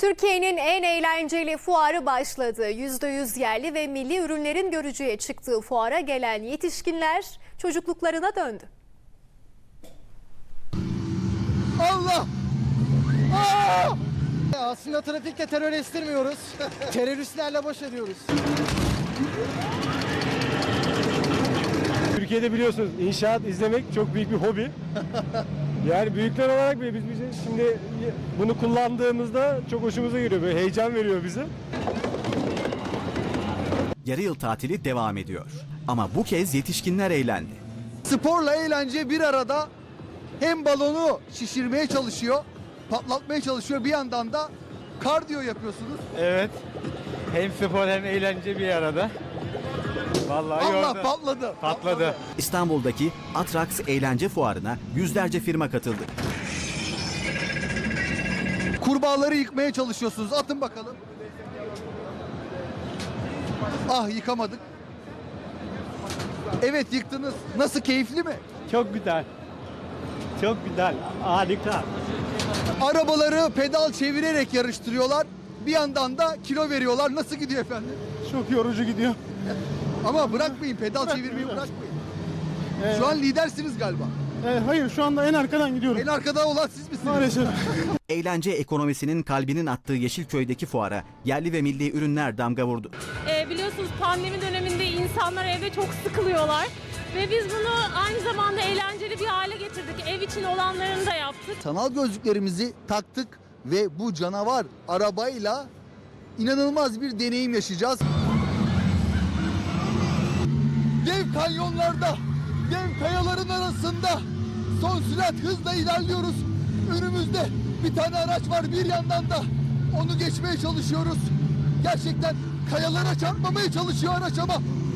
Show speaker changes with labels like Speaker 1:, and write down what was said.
Speaker 1: Türkiye'nin en eğlenceli fuarı başladı. %100 yerli ve milli ürünlerin görücüye çıktığı fuara gelen yetişkinler çocukluklarına döndü.
Speaker 2: Allah! Aslında trafikte terör estirmiyoruz. Teröristlerle baş ediyoruz.
Speaker 3: Türkiye'de biliyorsunuz inşaat izlemek çok büyük bir hobi. Yani büyükler olarak bile biz şimdi bunu kullandığımızda çok hoşumuza gidiyor. Böyle heyecan veriyor bize.
Speaker 4: Yarı yıl tatili devam ediyor. Ama bu kez yetişkinler eğlendi.
Speaker 2: Sporla eğlence bir arada hem balonu şişirmeye çalışıyor, patlatmaya çalışıyor, bir yandan da kardiyo yapıyorsunuz.
Speaker 5: Evet. Hem spor hem eğlence bir arada. Vallahi
Speaker 2: Allah
Speaker 5: yordu.
Speaker 2: patladı.
Speaker 4: İstanbul'daki Atrax Eğlence Fuarı'na yüzlerce firma katıldı.
Speaker 2: Kurbağaları yıkmaya çalışıyorsunuz. Atın bakalım. Ah, yıkamadık. Evet, yıktınız. Nasıl, keyifli mi?
Speaker 5: Çok güzel. Çok güzel. Harika.
Speaker 2: Arabaları pedal çevirerek yarıştırıyorlar. Bir yandan da kilo veriyorlar. Nasıl gidiyor efendim?
Speaker 3: Çok yorucu gidiyor.
Speaker 2: Ama bırakmayın, pedal çevirmeyi bırakmayın. Şu an lidersiniz galiba.
Speaker 3: Hayır, şu anda en arkadan gidiyorum.
Speaker 2: En arkada olan siz misiniz?
Speaker 3: Maalesef.
Speaker 4: Eğlence ekonomisinin kalbinin attığı Yeşilköy'deki fuara yerli ve milli ürünler damga vurdu.
Speaker 6: Biliyorsunuz pandemi döneminde insanlar evde çok sıkılıyorlar ve biz bunu aynı zamanda eğlenceli bir hale getirdik. Ev için olanlarını da yaptık.
Speaker 2: Sanal gözlüklerimizi taktık ve bu canavar arabayla inanılmaz bir deneyim yaşayacağız. Dev kanyonlarda, dev kayaların arasında son sürat hızla ilerliyoruz. Önümüzde bir tane araç var, bir yandan da onu geçmeye çalışıyoruz. Gerçekten kayalara çarpmamaya çalışıyor araç ama